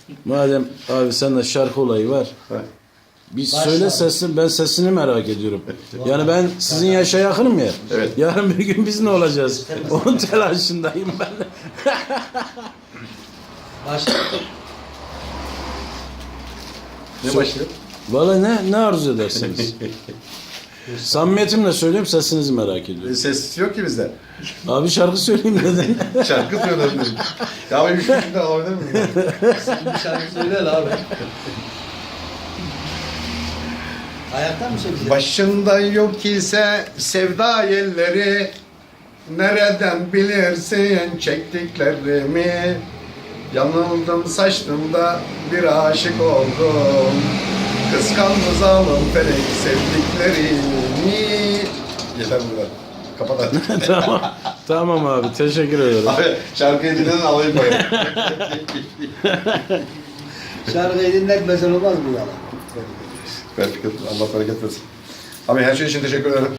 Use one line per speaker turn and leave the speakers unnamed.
Madem abi sende şarkı olayı var. Bir söyle sesini, ben sesini merak ediyorum. Yani ben sizin yaşa yakınım ya.
Evet.
Yarın bir gün biz ne olacağız? Onun telaşındayım ben.
Başla.
Ne başlıyor?
Valla ne arzu edersiniz? Samimiyetimle söylüyorum, sesinizi merak ediyorum.
Ses yok ki bizde.
Abi şarkı söyleyeyim dedin.
Şarkı söyledim. Ya ben 3 kişiden alabilir miyim?
Bir şarkı söyle abi. Ayaktan mı söyleyeceksin?
Başında yok ise sevda yelleri, nereden bilirsin çektiklerimi? Yanıldım saçtımda bir aşık oldum. Kıskandı zalim felek sevdiklerimi. Yeter bu kadar. Kapat artık.
Tamam abi, teşekkür ederim.
Abi şarkıyı dinledin alayım koyayım.
Şarkıyı dinletmesen olmaz mı yalan?
Allah bereket versin. Abi her şey için teşekkür ederim.